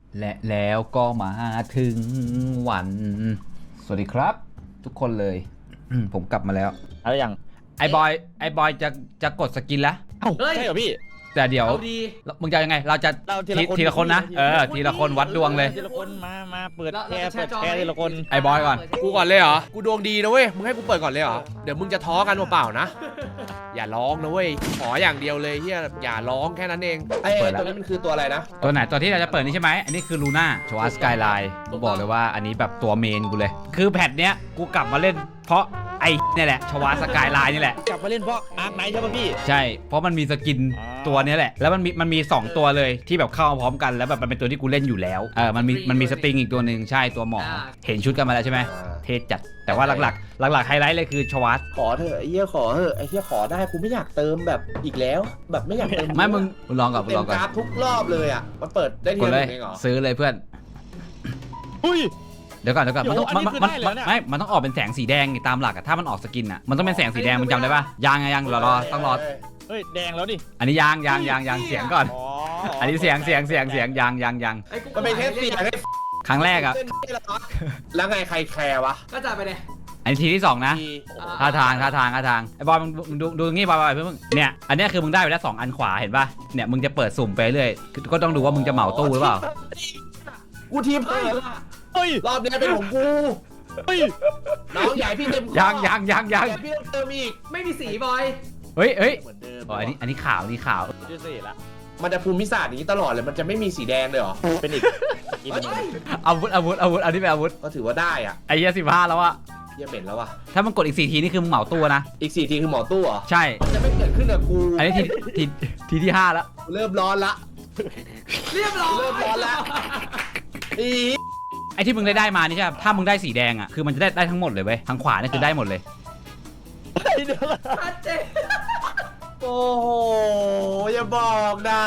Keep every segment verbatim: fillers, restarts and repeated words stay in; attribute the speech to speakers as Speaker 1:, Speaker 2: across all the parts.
Speaker 1: และแล้วก็มาถึงวันสวัสดีครับทุกคนเลย ผมกลับมาแล้ว
Speaker 2: อะไรอย่าง
Speaker 1: ไอ้บอยไอ้บอยจะจะกดสกินแล้ว
Speaker 2: เอ้าใช่เหรอพี่
Speaker 1: แต่เดี๋ยวมึงจะยังไงเราจะทีละคนนะเออทีละคนวัดดวงเลย
Speaker 2: ทีละคนมามาเปิดแชร์เปิดแชร์ทีละคน
Speaker 1: ไอ้บอยก่อน
Speaker 3: กูก่อนเลยเหรอกูดวงดีนะเว้ยมึงให้กูเปิดก่อนเลยเหรอเดี๋ยวมึงจะท้อกันเปล่าๆนะอย่าร้องนะเว้ยขออย่างเดียวเลยเฮียอย่าร้องแค่นั้นเอง
Speaker 4: ไอ้ตัวนี้มันคือตัวอะไรนะ
Speaker 1: ตัวไหนตัวที่เราจะเปิดนี่ใช่ไหมอันนี้คือลูน่าชวาสกายไลน์กูบอกเลยว่าอันนี้แบบตัวเมนกูเลยคือแพทเนี้ยกูกลับมาเล่นเพราะไอ้นี่แหละชวาสกายไลน์นี่แหละ
Speaker 2: กลับมาเล่นเพราะอาร์คไนท์ใช่ป่ะพี่
Speaker 1: ใช่เพราะมันมีสกินตัวนี้แหละแล้วมันมีมันมีสองตัวเลยที่แบบเข้ามาพร้อมกันแล้วแบบมันเป็นตัวที่กูเล่นอยู่แล้วเออมันมีมันมีสปริงอีกตัวหนึ่งใช่ตัวหมอเห็นชุดกันมาแล้วใช่ไหมเทจัดแต่ว่าหลักๆหลักๆไฮไลท์เลยคือชวาส
Speaker 4: ขอเถอะไอ้เหี้ยขอเถอะไอ้เหี้ยขอได้กูไม่อยากเติมแบบอีกแล้วแบบไม่อยากเติม
Speaker 1: ไม่มึงลองก่อนลองก่อน
Speaker 4: เต็มกราฟทุกรอบเลยอ่ะมันเปิดได้ทีละหนึ่งเองเหรอ
Speaker 1: ซื้อเลยเพื่อน
Speaker 2: อุ้ย
Speaker 1: เดี๋ยวก่อนเดี๋ยวก่อนมันต้องมันมันไม่มันต้องออกเป็นแสงสีแดงตามหลักอะถ้ามันออกสกินอะมันต้องเป็นแสงสีแดงมึงจำได้ปะยางยังรอรอต้องรอ
Speaker 2: เฮ้ยแดงแล้วดิ
Speaker 1: อันนี้ยางยางยางยางเสียงก่อนอันนี้เสียงเสียงเสียงเสียงยางยางยาง
Speaker 4: มันเป็นแค่เสียง
Speaker 1: ครั้งแรกอะ
Speaker 4: แล้วไงใครแคร์วะ
Speaker 5: ก็จ่ายไปเลย
Speaker 1: อันนี้ทีที่สองนะท่าทางท่าทางท่าทางไอ้บอยมึงดูดูตรงนี้บอยบอยเพื่อนมึงเนี่ยอันนี้คือมึงได้ไปแล้วสองอันขวาเห็นป่ะเนี่ยมึงจะเปิดสุ่มไปเรื่อยก็ต้องดูว่ามึงจะเหมาตู้หรือเปล่า
Speaker 4: กูทีมเพิ่ม
Speaker 2: เฮ้ย
Speaker 4: รอบนี้เป็นของกู
Speaker 2: เฮ้ย
Speaker 4: น้องใหญ่พี่เต็ม
Speaker 1: ยางยางยางยาง
Speaker 4: พี่เติมอีก
Speaker 5: ไม่มีสีบอย
Speaker 1: เฮ้ยเฮ้ยอ๋ออันนี้อันนี้ขาวนี่ขาว
Speaker 2: ดูสิละ
Speaker 4: มันจะภูมิศาสตร์อย่างนี้ตลอดเลยมันจะไม่มีสีแดงเลยหรอ
Speaker 2: เป็นอีก
Speaker 1: อาวุธอาวุธอาวุธอันนี้เป็นอาวุธ
Speaker 4: ก็ถือว่าได้อ่ะ
Speaker 1: ไอ้เหี้ยสิบห้าแล้วอะ
Speaker 4: เหี้ยเหม็นแล้วอะ
Speaker 1: ถ้ามันกดอีกสี่ทีนี่คือมึงเหมาตู้นะ
Speaker 4: อีกสี่ทีคือหมอตู้เหรอ
Speaker 1: ใช่
Speaker 4: จะไม่เกิดขึ้นกับกู
Speaker 1: อันนี้ทีทีทีที่ห้าแล้ว
Speaker 4: เริ่มร้อนละ
Speaker 5: เรียบร้อย
Speaker 4: เริ่มร้อนละอี
Speaker 1: ไอ้ที่มึงได้ได้มานี่ใช่ถ้ามึงได้สีแดงอ่ะคือมันจะได้ได้ทั้งหมดเลยเว้ยทางขวานี่คือได้หมดเลย
Speaker 5: ชัดเจน
Speaker 4: โอ้โหอย่าบอกนะ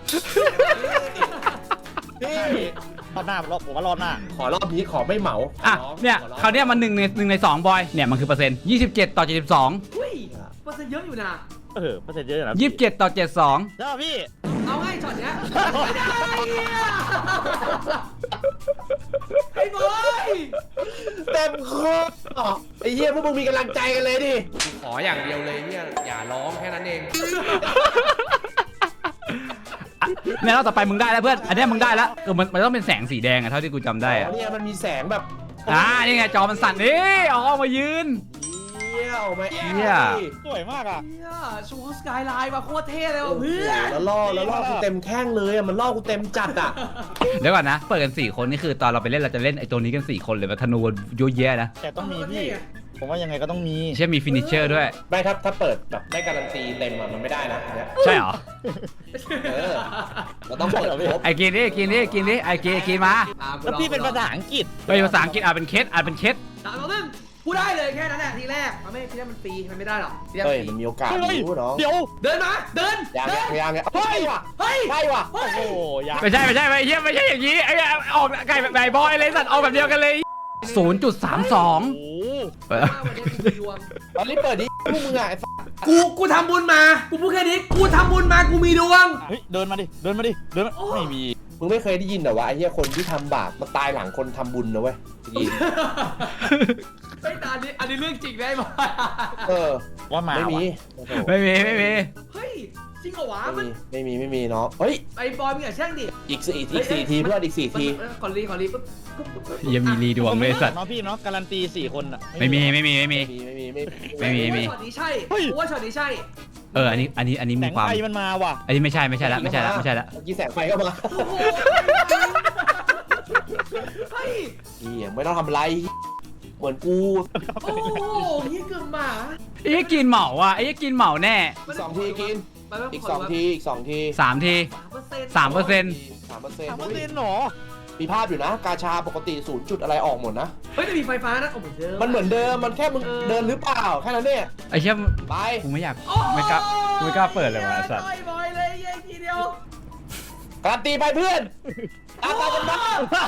Speaker 4: พี่
Speaker 2: รอบหน้ารอบผมว่ารอบหน้า
Speaker 4: ขอรอบนี้ขอไม่เหมา
Speaker 1: อ่ะเนี่ยคราวนี้มันหนึ่งในหนึ่งในสองบอยเนี่ยมันคือเปอร์เซ็นต์ยี่สิบเจ็ดต่อเจ็ดสิบสอง
Speaker 5: อุ้ยเปอร์เซ็นต์เยอะอยู่นะ
Speaker 2: เออเปอร์เซ็นต์เยอะนะ
Speaker 1: ยี่สิบเจ็ดต่อเจ็ดสอง
Speaker 2: ใช่พี่
Speaker 5: เอาให้ช็อตเนี้ยไม่ได้ไอ้บอย
Speaker 4: เต็มคอไอ้เหี้ยพวกมึงมีกำลังใจกันเลยดิ
Speaker 3: ขออย่างเดียวเลยเนี่ยอย่าร้องแค่นั้นเอง
Speaker 1: เนี่ยรอบต่อไปมึงได้แล้วเพื่อนอันนี้มึงได้แล้วคือมันมันต้องเป็นแสงสีแดงอะเท่าที่กูจำได้อะ
Speaker 4: เนี่ยมันมีแสงแบบ
Speaker 1: อ่านี่ไงจอมันสั่นนี่เอาออกมายืน
Speaker 4: เยี่ยวไหม
Speaker 1: เยี่ย
Speaker 2: สวยมากอะ
Speaker 5: ชูสกายไลน์มาโคตรเท่เลยว่ะเพื่อน
Speaker 4: แล้วล่อแล้วล่อกูเต็มแข้งเลยอะมันล่อกูเต็มจัดอะ
Speaker 1: เดี๋ยวก่อนนะเปิดกันสี่คนนี่คือตอนเราไปเล่นเราจะเล่นไอ้ตัวนี้กันสี่คนเลยแบบธนูเยอะแยะนะ
Speaker 2: แต่ต้องมีพี่ผมว่ายังไงก็ต้องมี
Speaker 1: ใช่มีฟินิชเชอร์ด้วย
Speaker 4: ไม่ถ้าถ้าเปิดแบบได้การันตีเต็มอะมันไม่ได้นะ
Speaker 1: ใช่เหรอ
Speaker 4: เออเราต้องเปิดครบ
Speaker 1: ไอ้กินดิกินดิกินดิไอ้กินกินมา
Speaker 2: แล้วพี่เป็นภาษาอังกฤษ
Speaker 1: เป็นภาษาอังกฤษอ่ะเป็นเคสอ่ะเป็นเคส
Speaker 5: สามต่อหนึ่งกูได้เลยแค่นั้นแหละทีแรกมันไม่ทีแรกมันฟรีมันไม่ได้หรอกทีแรก
Speaker 4: เฮ้ยมันมีโอกาสรู้เนาะ
Speaker 2: เดี๋ยว
Speaker 5: เดินมาเดิน
Speaker 4: ยังยังยัง
Speaker 5: เฮ้ย
Speaker 4: ว่ะ
Speaker 5: เฮ้ย
Speaker 4: ใช่ว่ะ
Speaker 2: โอ้โห
Speaker 1: ไม่ใช่ไม่ใช่ไม่ใช่ไม่ใช่อย่างนี้ไอ้ออกไก่แบบไก่บอยเลยสัตว์ออกแบบเดียวกันเลยศูนย์จุดสามสอง
Speaker 4: ตอนนี้เปิดดิพวกมึงอ่ะ
Speaker 5: กูกูทำบุญมากูพูดแค่นี้กูทำบุญมากูมีดวง
Speaker 2: เฮ้ยเดินมาดิเดินมาดิเดินไม่มี
Speaker 4: มึงไม่เคยได้ยินเหรอวะไอ้เหี้ยคนที่ทำบาปมาตายหลังคนทำบุญนะเว้ย
Speaker 5: ไม่ตานี้อันนี้เรื่องจริงได้ไหม
Speaker 4: เออ
Speaker 2: ว่ามา
Speaker 4: ไม่มี
Speaker 1: ไม่มีไม่มี
Speaker 5: เฮ้ยจริงเหรอวะ
Speaker 4: ไม่มีไม่มีเนาะเฮ้ย
Speaker 5: ไอ้บอยมึงอย่าแช่งดิ
Speaker 4: อีกสี่อีกสี่ทีเพื่อนอีกสี่ที
Speaker 5: ขอรีขอรีปุ๊บ
Speaker 1: ยังมีรีดวงเลยสัตว์
Speaker 2: น้องพี่เนาะการันตีสี่คนอ่ะ
Speaker 1: ไม่มีไม่มีไม่มี
Speaker 4: ไม่มีไม่มี
Speaker 1: ไม่มีไม่มี
Speaker 5: ช็อตนี้ใช่กูว่าช็อตนี้ใช่
Speaker 1: เอออันนี้อันนี้อันนี้มีความ
Speaker 2: แสงไฟมันมาว่ะ
Speaker 1: อันนี้ไม่ใช่ไม่ใช่ละไม่ใช่ละไม่ใช่ละ
Speaker 4: เมื่อกี้แสงไฟก็มา
Speaker 5: เฮ้ย
Speaker 4: นี่ไม่ต้องทำไรเหมือนกู
Speaker 5: โอ้ยเกือบหมา
Speaker 1: ไอ้กินเหมาอ่ะไอ้กินเหมาแน่
Speaker 4: สองทีกินอีกสองทีอีกสองที
Speaker 1: สามทีสามเปอร์เซ็นต์
Speaker 4: สามเปอร์เซ็นต์
Speaker 2: สามเปอร์เซ็นต์หรอ
Speaker 4: มีภาพอยู่นะกาชาปกติศูนย์จุดอะไรออกหมดนะ
Speaker 5: เฮ้ยแต่มีไฟฟ้านะโอ้เหมือนเดิม
Speaker 4: มันเหมือนเดิมมันแค่มึงเดินหรือเปล่าแค่นั้นเนี่ย
Speaker 1: ไอ้เชี่ย
Speaker 4: ไป
Speaker 1: กูไม่อยากไม่กล้าไม่กล้าเปิดเลยว่ะสัตว์
Speaker 5: บอยเลยยัยทีเดียว
Speaker 4: การันตีไปเพื่อนตาตากันบ้า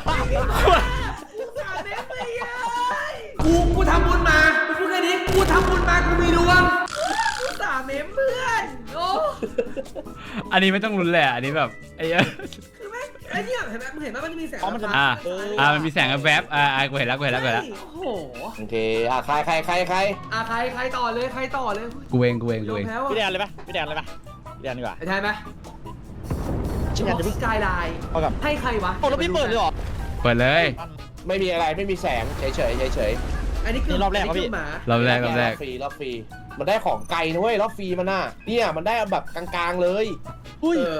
Speaker 5: กูกูทำบุญมากูพูดแค่นี้กูทำบุญมากูมีดวงกูสาเมมเพื่อนโอ้
Speaker 1: อันนี้ไม่ต้องรุนแหละอันนี้แบบไอ้
Speaker 5: คือแม่งไอ้เนี่ยเห็นไหมมึงเห็นไหมมันจะมีแสง
Speaker 2: อ๋อมันจะ
Speaker 1: อ่า
Speaker 2: เออ
Speaker 1: อ่ามันมีแสงแวบๆอ่าอ่ากูเห็นแล้วกูเห็นแล้วกูเห็นแล้ว
Speaker 5: โอ้โห
Speaker 4: โอเคอ่ะใครใครใครใคร
Speaker 5: อ่ะใครใครต่อเลยใครต่อเลย
Speaker 1: กูเองกูเองกู
Speaker 5: ยอม
Speaker 1: เอง
Speaker 5: แพ้
Speaker 2: พี่แด
Speaker 5: ว่ะ
Speaker 2: นเลยปะพี่แดนเลยปะพี่แดนดีกว่า
Speaker 5: ไอ้ไทยไหม
Speaker 2: พี่แดนจะ
Speaker 5: ส
Speaker 2: เพิ่ง
Speaker 5: กายไลน์
Speaker 2: เอากับ
Speaker 5: ให้ใครวะ
Speaker 2: โอ้แล้วพี่เปิดเลยเหรอ
Speaker 1: เปิดเลย
Speaker 4: ไม่มีอะไรไม่มีแสงเฉยเฉยเฉยเฉย
Speaker 5: อันนี้คือ
Speaker 2: นี่รอบแรก
Speaker 5: น
Speaker 2: ครับ
Speaker 5: นี้
Speaker 2: พี่
Speaker 5: คือหมา
Speaker 1: รอบแรกรอบแรก
Speaker 4: ฟรีรอบฟรีมันได้ของไกลนะเว้ยรอบฟรีมันน่ะเนี่ยมันได้แบบกลางๆเลย
Speaker 5: เออ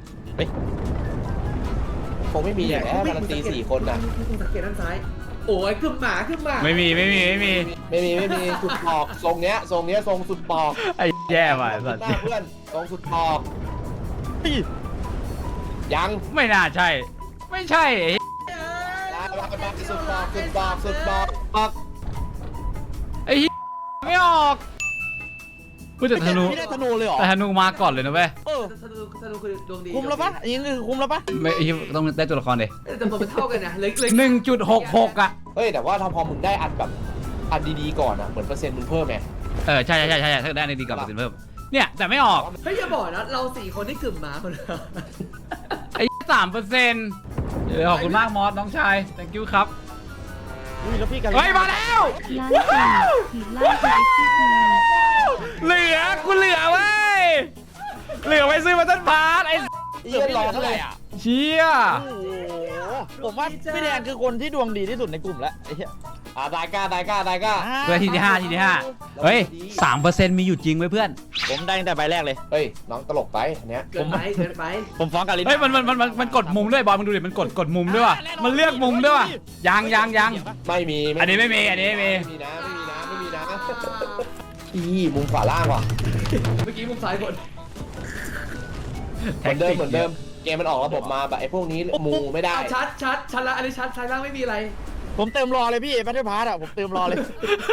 Speaker 4: คงไม่มีอย่างแล้วการันตีสี่คนน่ะ
Speaker 5: คุณสังเกตด้านซ้ายโอ้ยคือหมาคือหมา
Speaker 1: ไม่มีไม่มีไม่มี
Speaker 4: ไม่มีไม่มีสุดปอกทรงเนี้ยทรงเนี้ยทรงสุดปอก
Speaker 1: ไอ้แย่ว่ะไอ้สัตว์
Speaker 4: หน้าเพื่อนทรงสุดปอก
Speaker 2: พี่
Speaker 4: ยัง
Speaker 1: ไม่น่าใช่ ไม่ใช่ไอ้
Speaker 4: ลาลาลาสุดปอกสุดปอกสุดปอกปอก
Speaker 1: ไอ้ไม่ออกพูดแต่ธนู
Speaker 2: พี่ได้ธนูเลยเหรอ
Speaker 1: แต่ธนูมาก่อนเลยนะเว้ย
Speaker 2: เออ
Speaker 5: ธนูธนูคือดวงดี
Speaker 2: คุ้มแล้วปะอันนี้คือคุ้มแล้วปะ
Speaker 1: ไม่ไอ้เหี้ยต้องได้ตัวละครดิ
Speaker 5: แต่ผมมันเท่ากันนะเลยเลย
Speaker 1: หนึ่งจุดหกหกอ่ะ
Speaker 4: เฮ้ยแต่ว่าถ้าพอมึงได้อันแบบอันดีๆก่อนอ่ะเหมือนเปอร์เซ็นต์มึงเพิ่มไง
Speaker 1: เออใช่ใช่ใช่ใช่ถ้าได้ในดีกว่าเปอร์เซ็นต์เพิ่มเนี่ยแต่ไม่ออก
Speaker 5: เฮ้ยอย่าบอกนะเราสี่คนที่กึ่มหมาคนเดียว
Speaker 1: ไอ้สามเปอร์เซ็นต์ขอบคุณมากมอสน้องชาย thank you ครับ
Speaker 2: อุ้ยแล้วพี่กัน
Speaker 1: เฮ้ยมาแล้ว
Speaker 6: ล้านสี่ขีดล่าสุดที่ดี
Speaker 1: เหลือกูเหลือเว้ยเหลือไว้ซื้อมาต้นพาร์ทไอ้
Speaker 2: เอียร้อนเท่าไหร่อ่ะ
Speaker 1: เชี่ย
Speaker 2: โอ้โหผมว่าพี่แดนคือคนที่ดวงดีที่สุดในกลุ่มแล้วไอ้เหี้ย
Speaker 4: อ่าได้ก้าได้ก้าได้ก้า
Speaker 1: เพื่อทีที่ห้าทีที่ห้าเฮ้ยสามเปอร์เซ็นต์มีอยู่จริงไว้ยเพื่อน
Speaker 2: ผมได้ตั้งแต่ใบแรกเลย
Speaker 4: เฮ้ยน้องตลกไปอันเนี้ย
Speaker 5: เกินไปเกินไป
Speaker 2: ผมฟ้องกับลิน
Speaker 1: เฮ้ยมันมันมันมันมันกดมุมด้วยบอลมึงดูดิมันกดกดมุมด้วยว่ะมันเลือกมุมด้วยว่ะยังยังยัง
Speaker 4: ไม่มี
Speaker 1: อันนี้ไม่มีอันนี้ไม่มี
Speaker 4: ไม่มีนะไม่มีนะไม่มีนะอีมุมขวาล่างว่ะ
Speaker 5: เมื่อกี้มุมซ้ายบน
Speaker 4: เหมือนเดิมเหมือนเดิมเกมมันออกระบบมาแบบไอ้พวกนี้มูไม่ได้
Speaker 5: ชัดชัดชัดละอันนี้ชัดซ้ายล่างไม่มีอะไร
Speaker 2: ผมเติมรอเลยพี่แบทเทิลพาร์ทอ่ะผมเติมรอเลย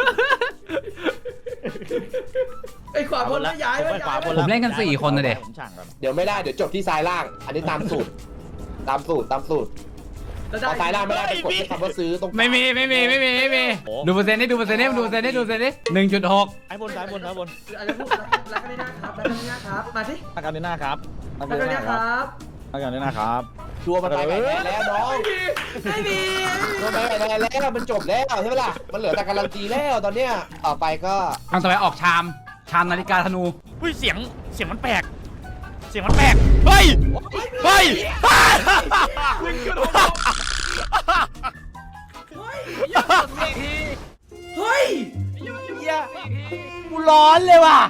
Speaker 5: ไอ้ขวาบนแล้วย้าย
Speaker 2: ผม
Speaker 5: ไว้
Speaker 2: ไปขวา
Speaker 5: ย้าย
Speaker 2: บน
Speaker 5: ไว้
Speaker 1: ผมเล่นกันสี่คนนะเด็ก
Speaker 2: ผมช่างก่อน
Speaker 4: เดี๋ยวไม่ได้เดี๋ยวจบที่ซ้ายล่าง อันนี้ตามสูตร ตามสูตรตามสูตร
Speaker 5: แล้ว
Speaker 4: พอซ้ายล่างไม่ได้ไปกดที่คำว่าซื้อตรง
Speaker 1: ไม่มีไม่มีไม่มีไม่มีดูเปอร์เซ็นต์นี่ดูเปอร์เซ็นต์นี่ดูเปอร์เซ็นต์นี่ดูเปอร์เซ็นต์นี่หนึ่งจุดหก
Speaker 2: ซ้ายบนซ้ายบนซ้ายบน
Speaker 5: อาจจะพูดรักกันได้หน้าครับรักกันได้หน้าครับมาสิ
Speaker 2: อาการในหน้าครับอา
Speaker 5: รักกันได้หน้าครับ
Speaker 2: อาการในหน้าครับ
Speaker 4: ชัวร์มันไปไหนแล้วน้อง
Speaker 5: ไม่มี
Speaker 4: ชัวร์ไปไหนแล้วมันจบแล้วใช่ไหมล่ะมันเหลือแต่การันตีแล้วตอนเนี้ยต่อไปก็
Speaker 1: ทางต่อไปออกชามชามนาฬิกาธนู
Speaker 2: อุ้ยเสียงเสียงมันแปลกเสียงมันแปลกเฮ้ยเฮ้ย
Speaker 5: เฮ้ย
Speaker 1: กูร้อนเลยว่ะ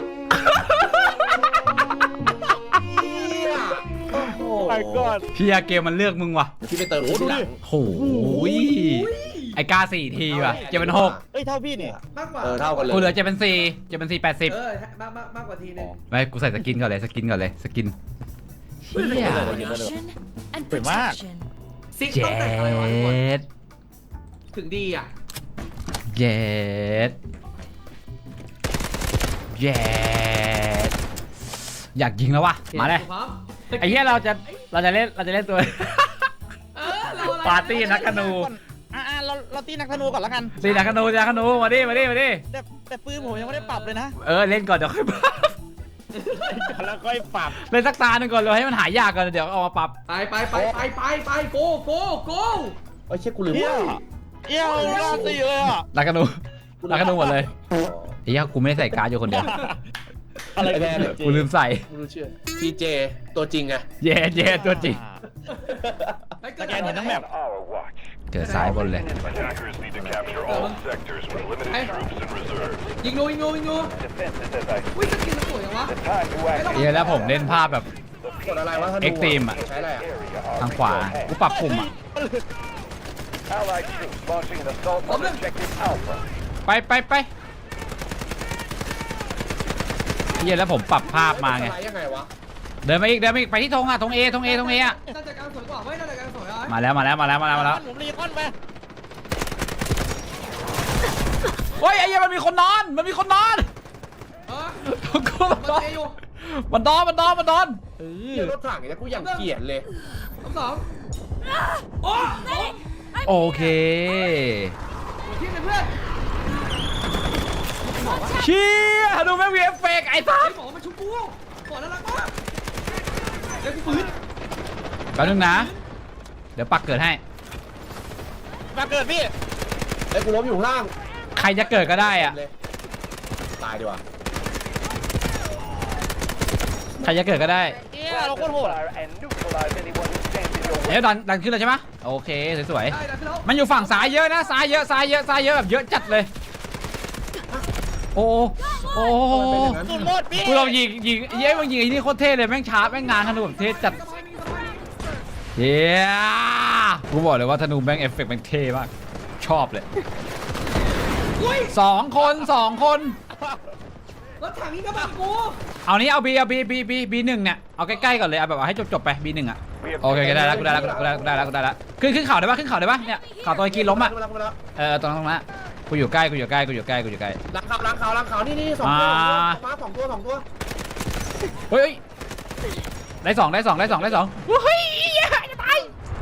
Speaker 4: โอ้โห
Speaker 2: my god
Speaker 1: เพียเกมมันเลือกมึงว่ะ
Speaker 4: ที่ไปเติมที่หลัง
Speaker 1: โหยไอ้กาสี่ทีว่ะเจ็ดเป็นหก
Speaker 2: เอ้ยเท่าพี่เนี่ย
Speaker 5: มากกว่า
Speaker 4: เออเท่ากันเลย
Speaker 1: กูเหลือเจ็ดเป็นสี่เจ็ดเป็นสี่แปดสิบ
Speaker 5: เออมากมากมากกว่าทีนึง
Speaker 1: ไม่กูใส่สกินก่อนเลยสกินก่อนเลยสกินเชี่ย
Speaker 6: Protection and
Speaker 2: สวยมาก
Speaker 6: protection
Speaker 5: ซิก
Speaker 1: เจ็
Speaker 5: ต้องแต่งอะไรวะทุกคน
Speaker 1: ด
Speaker 5: ถึงดีอ่ะ
Speaker 1: เจ็ดเจ็ดอยากยิงแล้ววะมาเลย
Speaker 5: พร้อม
Speaker 1: ไอ้เหี้ยเราจะเราจะเล่นเราจะเล่นตัว
Speaker 5: เออเราอะไร
Speaker 1: ปาร์ตี้นักธนู
Speaker 2: อ่าเราเราตีนักธนูก่อนแล้วกัน
Speaker 1: ตีนักธนูตีนักธนูมาดิมาดิมาดิ
Speaker 2: แต่แต่ปืนผมยังไม่ได้ปรับเลยนะ
Speaker 1: เออเล่นก่อนเดี๋ยวค่อยปรับ
Speaker 2: แล้วค่อยปรับ
Speaker 1: เล่นสักตาหนึ่งก่อนเลยให้มันหายากก่อนเดี๋ยวเอามาปรับ
Speaker 5: ไปไปไปไปไปไปโกโกโก
Speaker 4: เอ้ยเชี่ยกูลืม
Speaker 2: เอี้ยวเอี้ยวหน้าตีเลยอ่ะ
Speaker 1: นักธนูนักธนูหมดเลยไอ้เหี้ยกูไม่ได้ใส่การ์ดอยู่คนเดียว
Speaker 2: อะไร
Speaker 4: ไอ้แม่เนี่ย
Speaker 1: กูลืมใส่
Speaker 4: ไม่รู้เชื่อพีเจตัวจริงไง
Speaker 1: เย่เย่ตัวจริง
Speaker 2: สแกนเห็นทั้งแบบ
Speaker 1: เกิดซ้ายบนเลย
Speaker 7: Attackers need to capture all sectors with limited troops in reserve.
Speaker 5: ยิงงูยิงงูยิงงู
Speaker 7: Defenses as I
Speaker 5: อุ้ยสกินมันสวยจังวะ
Speaker 7: time to act.
Speaker 1: เหี้ยแล้วผมเล่นภาพแบบ
Speaker 4: กดอะไรวะธนู
Speaker 1: Extreme อะ
Speaker 4: ใช้อะไรอ่ะ
Speaker 1: ทางขวากูปรับปุ่มอ่ะ
Speaker 7: Allied troops launching an assault on objective Alpha.
Speaker 1: ไปไปไปเหี้ยแล้วผมปรับภาพมาไง
Speaker 4: สลด์ยังไงวะ
Speaker 1: เดินมาอีกเดินมาอีกไปที่ธงอ่ะธงเอธงเอธงเออ่ะ
Speaker 5: น่าจะการสวยกว่าเว้ยน่าจะการสวยอ่ะ
Speaker 1: มาแล้วมาแล้วมาแล้วมาแล้วมาแล้ว
Speaker 2: ผมรีคอนไป
Speaker 1: เฮ้ยไอ้เหี้ยมันมีคนนอนมันมีคนนอน
Speaker 5: เออ
Speaker 1: กู
Speaker 5: มัน
Speaker 1: นอน
Speaker 5: เออยู่
Speaker 1: มันนอนมันนอนมันนอน
Speaker 4: เหี้ยรถถังเนี่ยกูอย่างเกลียดเลย
Speaker 5: ทั้งสองโอ้โห
Speaker 1: โอเค
Speaker 5: ที่ไหนเพื่อน
Speaker 1: เชี่ยดูแม่งวีเอฟเฟกไอ้สั
Speaker 5: ไอ้
Speaker 1: ส
Speaker 5: หมอมันชุบกูหมอน่ารักมากเดี๋ยวกูฟื้น
Speaker 1: แป๊บนึงนะเดี๋ยวปักเกิดให้
Speaker 2: มาเกิดพี่
Speaker 4: ไอ้กูล้มอยู่ข้างล่าง
Speaker 1: ใครจะเกิดก็ได้อะ
Speaker 4: เลยตายดีกว่า
Speaker 1: ใครจะเกิดก็ได้
Speaker 2: เฮียเราโคตรโหด
Speaker 7: Fire and neutralize anyone who stands in your way.
Speaker 1: เดี๋ยวดันดันขึ้นเลยใช่ไหมโอเคสวย
Speaker 5: ได้ได้พี่น้อง
Speaker 1: ๆมันอยู่ฝั่งซ้ายเยอะนะซ้ายเยอะซ้ายเยอะซ้ายเยอะแบบเยอะจัดเลยโอ้โอ้
Speaker 2: สุดโหดพี่
Speaker 1: กูลองยิงยิงเย้มึงยิงไอ้นี่โคตรเท่เลยแม่งชาร์จแม่งงานธนูแบบเท่จัด
Speaker 5: สบายมีสบาย
Speaker 1: เย้กูบอกเลยว่าธนูแม่งเอฟเฟกต์แม่งเท่มากชอบเลยสองคนสองคน
Speaker 5: รถถังนี้ก็บังกู
Speaker 1: เอานี้เอาบีเอาบีบีบีบีหนึ่งเนี่ยเอาใกล้ๆก่อนเลยเอาแบบว่าให้จบๆไปบีหนึ่งอ่ะโอเคได้แล้วกูได้แล้วกูได้แล้วกูได้แล้วกูได้แล้วขึ้นขึ้นเข่าได้ปะขึ้นเข่าได้ปะเนี่ยเข่าตัวไอ้กีล้มอ่ะ
Speaker 4: ขึ้นมาแล้วขึ้นมาแล้ว
Speaker 1: เออตรงนั้นตรงนั้นกูอยู่ใกล้กูอยู่ใกล้กูอยู่ใกล้กูอยู่ใกล้
Speaker 4: ล้างขาวล้างขาวล้างขาวนี่นี่สองตัว
Speaker 1: อ่า
Speaker 4: มาสองตัวสองตัว
Speaker 1: เฮ้ยได้สองได้สองได้สองได้สองเฮ้ยจะตาย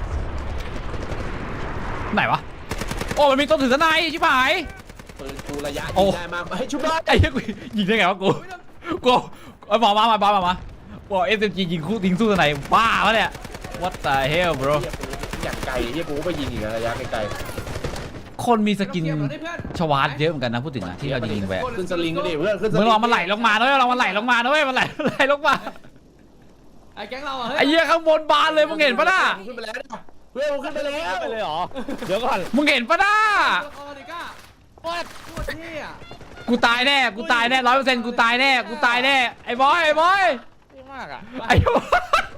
Speaker 1: ไหนวะโอ้มันมีตัวถือทนายชิบหาย
Speaker 4: ปืนกูระยะ
Speaker 1: โอ้
Speaker 4: ยิงได้มากเฮ้ยชุบได้
Speaker 1: ไอ้เหี้ยกูยิงได้ไงวะกูกูเอาหมอมามามามามาบอกเอสเอ็มจียิงคู่ยิงสู้ทนายบ้าวะเนี่ย what the hell bro
Speaker 4: เหี้ยปืนอย่างไกลเฮียกูก็ไปยิงอีกระยะไกล
Speaker 1: คนมีสกิน
Speaker 5: เก็บเราได้เพื่อน
Speaker 1: ชวาร์ตเยอะเหมือนกันนะพูดถึงอะที่เรายิงไป
Speaker 4: ๆขึ้นสลิงก็ดิเพื่อนขึ้นสลิ
Speaker 1: มึ
Speaker 4: ง
Speaker 1: งลองมันไหลลงมาด้วยลองมันไหลลงมาด้วยมันไหลไหลลงมา
Speaker 5: ไอ้แก๊งเราอะเฮ้ย
Speaker 1: ไอ้เหี้ยข้างบนบานเลยมึงเห็นปะน่ะ
Speaker 4: ขึ้นไปแล้วเนี่ยเพื่อนกูขึ้นไปแล้ว
Speaker 2: ไปเลยเหรอเดี๋ยวก่อน
Speaker 1: มึงเห็นปะน่ะ
Speaker 5: ละครดิก้าโคตรโคตรเท่อะ
Speaker 1: กูตายแน่กูตายแน่ร้อยเปอร์เซ็นต์กูตายแน่กูตายแน่ไอ้บอยไอ้บอย
Speaker 2: เท่มากอ่ะ
Speaker 1: ไอ้บอย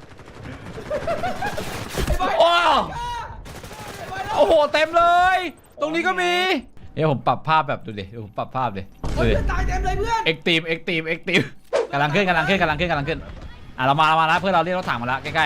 Speaker 1: โอ้โอ้โหเต็มเลย ตรงนี้ก็มีเดี๋ยวผมปรับภาพแบบดูดิเดี๋ยวผมปรับภาพดิดู
Speaker 5: เฮ้ย
Speaker 1: ดิ
Speaker 5: เพื่อนตายเต็มเลยเพื่อน
Speaker 1: เอ็กตีมเอ็กตีมเอ็กตีมกำลังขึ้นกำลังขึ้นกำลังขึ้นกำลังขึ้นอ่ะเรามาเรามาแล้วเพื่อนเราเรียกรถถังมาแล้วใกล้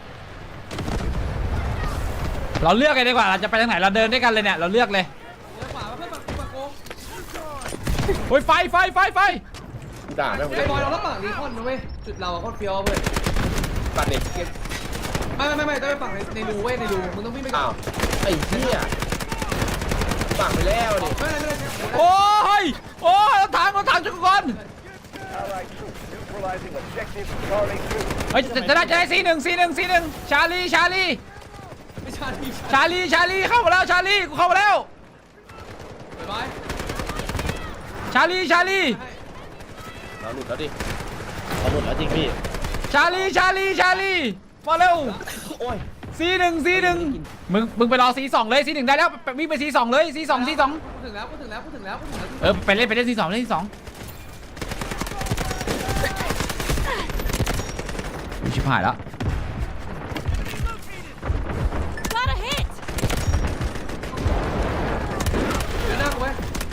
Speaker 1: ๆเราเลือกกันดีกว่าเราจะไปทางไหนเราเดินด้วยกันเลยเนี่ยเราเลือกเลย
Speaker 5: เดี๋ยวขวามาเพื่อนมามาโกง
Speaker 1: โอ้ยไฟไฟไฟไฟ
Speaker 4: กูด่าแม่งกู
Speaker 5: ไอ้บอยเราต้องฝั่งรีคอนนะเว้ยจุดเราอะโคตรเฟี้ยวเว้ย
Speaker 4: ตัดเด็ก
Speaker 5: ไม่ไม่ไม่ไม่ต้องไปฝั่งในในรูเว้ยในรูมึงต้องวิ่งไปก่อ
Speaker 4: อ้าวน ไอ้เหี้ยฝั่งไปแล้วดิ
Speaker 5: ไม่เป็นไรไม่เป็นไร
Speaker 1: โอ้ยโอ้ยรถถังรถถังชุกคน
Speaker 7: Allied troops neutralizing objective Charlie two.
Speaker 1: เฮ้ยจะจะได้จะได้ซีหนึ่งซีหนึ่งซีหนึ่งชาลีชาลี
Speaker 5: ไม่ใช่ไม่ใช่
Speaker 1: ชาลีชาลีเข้ามาแล้วชาลีกูเข้ามาแล้ว
Speaker 5: ไปบอย
Speaker 1: ชาลีชาลี
Speaker 5: ให้
Speaker 4: เราหลุดแล้วดิ
Speaker 2: เอาหมดแล้วจริงพี่
Speaker 1: ชาลีชาลีชาลีมาเร็ว
Speaker 4: โอ้ย
Speaker 1: ซีหนึ่งซีหนึ่งมึงมึงไปรอซีสองเลยซีหนึ่งได้แล้วไปวิ่งไปซีสองเลยซีสองซีสอง
Speaker 5: พูดถึงแล้วพูดถึงแล้วพูดถึงแล้วพูดถึงแล้ว
Speaker 1: เออไปเล่นไปเล่นซีสองเล่นซีสองชิบหายแล้ว
Speaker 6: Got a hit!
Speaker 5: เดี๋ยวหน้ากูไว้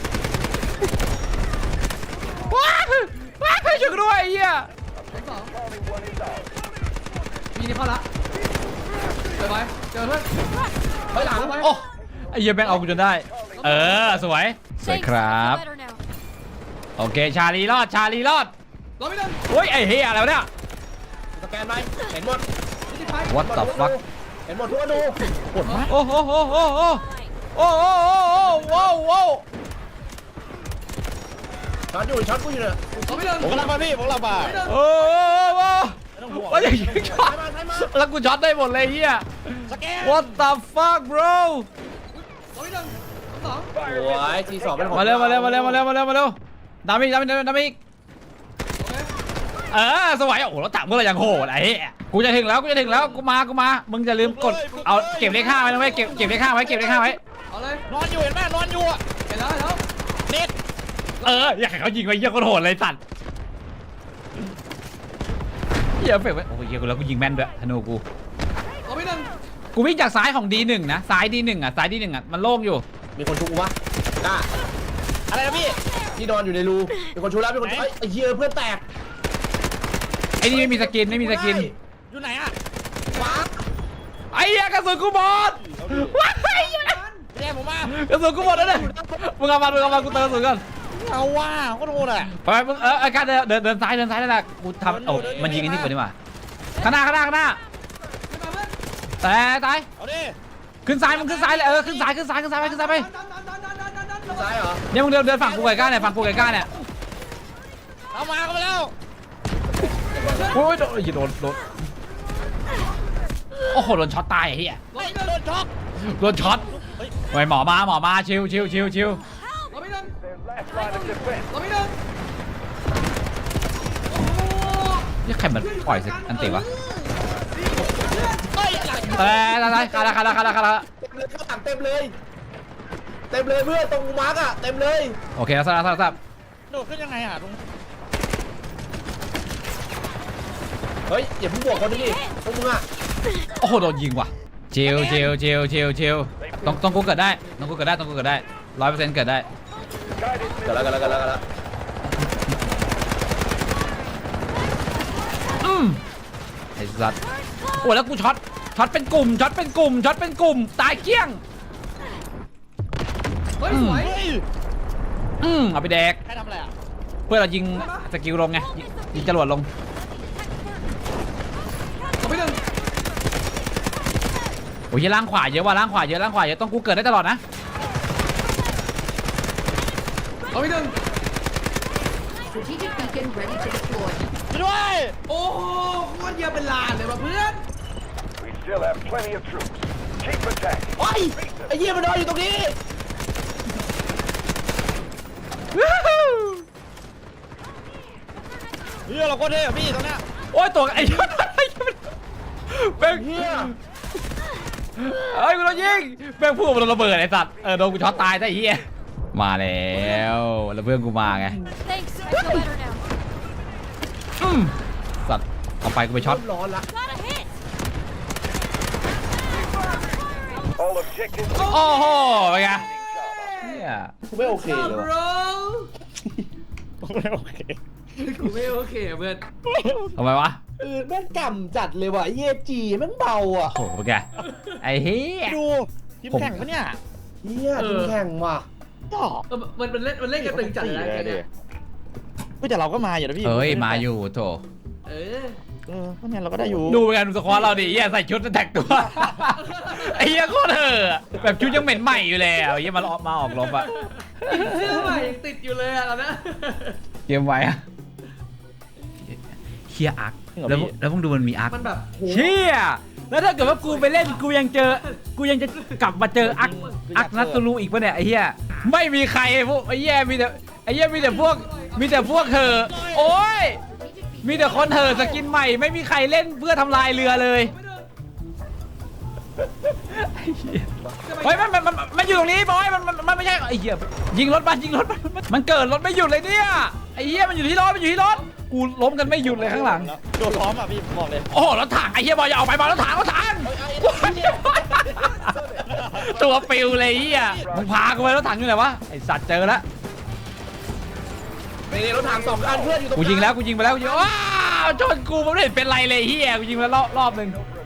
Speaker 1: ว้าว้าช่วยกูด้วยไอ้เหี้ย
Speaker 5: ชั้นสอง
Speaker 7: Charlie one is out.
Speaker 5: มีนี่เข้าละไปบอยเจอเพื่อน
Speaker 4: เฮ้ยหลัง
Speaker 5: ไป
Speaker 1: โอ้ไอ้เหี้ยแม่งเอากูจนได้ เออสวยสวย
Speaker 6: Thanks,
Speaker 1: ครับ
Speaker 6: I feel better now.
Speaker 1: โอเคชาลีรอดชาลีรอด
Speaker 5: รอไม่ได้
Speaker 1: โอ้ยไอ้เหี้ยอะไรวะเนี่ย
Speaker 4: สแกนไหมเห็นหมด
Speaker 5: ไม่ได้ไป
Speaker 1: What the fuck
Speaker 4: เห็นหมดทุกอนูปวดมาก
Speaker 1: โอ้โหโอ้โหโอ้โหโอ้โหโอ้โห
Speaker 4: ช็อตอยู่ช็อตกูอยู่เนี่ย
Speaker 5: รอไม่ได้
Speaker 2: ผมกำลังมาพี่ผมกำลังมา
Speaker 1: โอ้โหว่าอย่างนี้ช็อต
Speaker 4: ใช่มาใช่มา
Speaker 1: แล้วกูช็อตได้หมดเลยเฮีย
Speaker 2: สแกน
Speaker 1: What the fuck bro
Speaker 5: รอไม่ได้ชั้นสอง
Speaker 4: โอ้ยทีสองเป็นของ
Speaker 1: มาเร็วมาเร็วมาเร็วมาเร็วมาเร็วมาเร็วดามิกดามิกดามิก
Speaker 5: โอเค
Speaker 1: เออสวยโอ้โหรถถังพวกเราอย่างโหดไอ้เหี้ยกูจะถึงแล้วกูจะถึงแล้วกูมากูมามึงจะลืมกดเอาเก็บเลขห้าไว้นะเว้ยเก็บเก็บเลขห้าไว้เก็บเลขห้าไว้
Speaker 5: เอาเลย
Speaker 2: นอนอยู่เห็นไหมนอนอยู่อ่ะ
Speaker 5: เห็นแล้วเห็นแล้ว
Speaker 2: เน็ต
Speaker 1: เอออยากให้เขายิงไว้เหี้ยคนโหดเลยสัตว์เหี้ยเฟกไว้โอ้ยเหี้ยกูแล้วกูยิงแม่นด้วยธนูกู
Speaker 5: รอไม่ได้
Speaker 1: กูวิ่งจากซ้ายของ ดี หนึ่ง นะซ้าย ดี หนึ่ง อ่ะซ้าย ดี หนึ่ง อ่ะมันโล่งอยู่
Speaker 4: มีคนชุบกูวะกล้า
Speaker 2: อะไรนะพี่
Speaker 4: ที่นอนอยู่ในรูมีคนชุบแล้วมีคนชุบ
Speaker 2: ไหน
Speaker 4: เอ้ยไอ้เหี้ยเพื่อนแตก
Speaker 1: ไอ้นี่ไม่มีสกินไม่มีสกิน
Speaker 2: อยู่ไหนอ่ะ
Speaker 4: ว้า
Speaker 1: ไอ้เหี้ยกระสุนกูหมดว้าย
Speaker 2: พี่แดงผมมาก
Speaker 1: ระสุนกูหมดแล้วเนี่ยมึงเอามามึงเอามากูเติมกระสุนก่อน
Speaker 2: เอาว่าโคตรโหดอ่ะ
Speaker 1: ไปไปมึงเออไอ้การเดินเดินเดินซ้ายเดินซ้ายนั่นแหละกูทำโอ้มันยิงไอ้นี่ก่อนดีกว่าข้างหน้าข้างหน้าข้างหน้า
Speaker 5: ไม่มาเพื่อน
Speaker 1: แต่ตาย
Speaker 2: เอาดิ
Speaker 1: ขึ้นซ้ายมึงขึ้นซ้ายเลยเออขึ้นซ้ายขึ้นซ้ายขึ้นซ้ายไปขึ้นซ้ายไป
Speaker 5: ดันดันดันดันดันดันดันดัน
Speaker 4: ซ้ายเหรอ
Speaker 1: เนี่ยมึงเดินเดินฝั่งกูไก่ก้าเนี่ยฝั่งกูไก่ก้าเนี่ย
Speaker 2: เอามาเข้ามาแล้ว
Speaker 1: โอ้ยโดนโดนโดนโโอ้โหโดนช็อตตายไอ้เหี้ย
Speaker 2: เฮ้ยโดนช็อก
Speaker 1: โดนช็อตเฮ้ยหมอมาหมอมาชิวชิวชิวชิว
Speaker 5: เราไม่เดิน
Speaker 7: Their last line of defense.
Speaker 5: เราไม่เดิน
Speaker 1: นี่ใครมันปล่อยสิอันติวะ
Speaker 2: เฮ้ยหลัง
Speaker 1: เอ้ยอะไรคาราคาราคาราคารา
Speaker 4: เต็มเลยข้างหลังเต็มเลย เต็มเลยเพื่อนตรงมาร์กอะเต็มเลย
Speaker 1: โอเคแล้วทราบทราบทราบ
Speaker 2: โดดขึ้นยังไงอ่ะตรง
Speaker 4: เฮ้ยอย่าเพิ่งบวกคนนี้ดิพวกมึงอะ
Speaker 1: โอ้โหโดนยิงว่ะชิวชิวชิวชิวชิวต้องต้องกูเกิดได้ต้องกูเกิดได้ต้องกูเกิดได้ร้อยเปอร์เซ็นต์เกิดได้
Speaker 7: Guided
Speaker 4: กันแล้วกันแล้วกันแล้วกันแล้ว
Speaker 1: อืมไอ้สัตว์โอ้แล้วกูช็อตช็อตเป็นกลุ่มช็อตเป็นกลุ่มช็อตเป็นกลุ่มตายเกลี้ยง
Speaker 5: เฮ้ยสวย
Speaker 2: เฮ้ย
Speaker 1: อืมเอาไปแดก
Speaker 2: ใครทำอะไรอ่ะ
Speaker 1: เพื่อเรายิงสกิลลงไงยิงยิงจรวดลง
Speaker 5: เราไม่เดิน
Speaker 1: โอ้ยล่างขวาเยอะว่ะล่างขวาเยอะล่างขวาเยอะต้องกูเกิดได้ตลอดนะ
Speaker 5: เราไม่เดิน
Speaker 6: Strategic beacon ready to deploy.
Speaker 2: ช่วยด้วย
Speaker 5: โอ้โหโคตรเยอะเป็นลานเลยว่ะเพื่อน
Speaker 7: We still have plenty of troops. Keep attacking.
Speaker 4: โอ้ยไอ้เหี้ยมันนอนอยู่ตรงนี้
Speaker 2: เฮียเราโคตรเท่อะพี่ตรงเนี้ย
Speaker 1: โอ้ยตัวไอ้เหี้ยแม่ง
Speaker 4: เหี้ย
Speaker 1: เอ้ยกูโดนยิงแม่งพูดมันโดนระเบิดไอ้สัตว์เออโดนกูช็อตตายซะไอ้เหี้ยมาแล้วแล้วเพื่อนกูมาไง
Speaker 6: Thanks. I feel better now.
Speaker 1: อืมสัตว์เอาไปกูไปช็อต
Speaker 4: เริ่มร้อนละ
Speaker 6: Got a hit.
Speaker 7: All objectives.
Speaker 1: โอ้โหเป็นไง
Speaker 7: Job.
Speaker 1: เนี่ย
Speaker 4: กูไม่โอเคเลย
Speaker 5: บร
Speaker 4: ว่ะ
Speaker 2: โอเค
Speaker 5: กูไม่โอเคอะเพื่อน
Speaker 1: ทำไมวะ
Speaker 4: เออแม่งกำจัดเลยว่ะไอ้เหี้ยจีแม่งเบาอ่ะ
Speaker 1: โอ้โหเป็นไงไอ้เหี้ย
Speaker 2: ดูทีมแข่งปะเนี่ย
Speaker 4: เหี้ยทีมแข่งว่ะ
Speaker 2: ก็
Speaker 5: เออมันมันเล่นมันเล่นกันตึงจัดเลยนะแกเนี่ย
Speaker 2: เฮ้ยแต่เราก็มาอยู่นะพี่
Speaker 1: เอ้ยมาอยู่โถ
Speaker 5: เออ
Speaker 2: เออก็เนี่ยเราก็ได้อยู่
Speaker 1: ดูเป็นไงดูสควอตเราดิเหี้ยใส่ชุดแท็กตัวไอ้เหี้ยโคตรเถอะแบบชุดยังเหม็นใหม่อยู่แล้วเหี้ยมาออกมาออกรบอะ
Speaker 5: เสื้อใหม่ยังติดอยู่เลยอะตอนนั้น
Speaker 1: เกมไว้อะเฮียอาร์คแล้วแล้วมึงดูมันมีอาร์ค
Speaker 5: มันแบบโห
Speaker 1: เชี่ยแล้วถ้าเกิดว่ากูไปเล่นกูยังเจอ กูยังจะกลับมาเจออักอักนัตตูรูอีกปะเนี่ยไอ้เหี้ยไม่มีใครพวกไอ้เหี้ยมีแต่ไอ้เหี้ยมีแต่พวกมีแต่พวกเธอโอ้ยมีแต่คนเธอสกินใหม่ไม่มีใครเล่นเพื่อทำลายเรือเลยไอ้เหี้ยเฮ้ยมันมันมันมันอยู่ตรงนี้บอยมันมันมันไม่ใช่ไอ้เหี้ยยิงรถมันยิงรถมันมันเกิดรถไม่หยุดเลยเนี่ยไอ้เหี้ยมันอยู่ที่รถมันอยู่ที่รถกูล้มกันไม่หยุดเลยข้างหลัง
Speaker 2: โดดล้อมอ่ะพี่ผมบอกเลย
Speaker 1: โอ้โหรถถังไอ้เหี้ยบอยอย่าออกไปบอยรถถังรถถังตัวปิวเลยไอ้เหี้ยมึงพากูไปรถถังอยู่ไหนวะไอสัตว์เจอแล้ว
Speaker 4: นี่รถถังสองคันเพื่อนอยู่ตรง
Speaker 1: กูยิงแล้วกูยิงไปแล้วกูยิงว้าวชนกูมันไม่เห็นเป็นไรเลยไอ้เหี้ยกูยิงไปแล้วรอบรอบหนึ่ง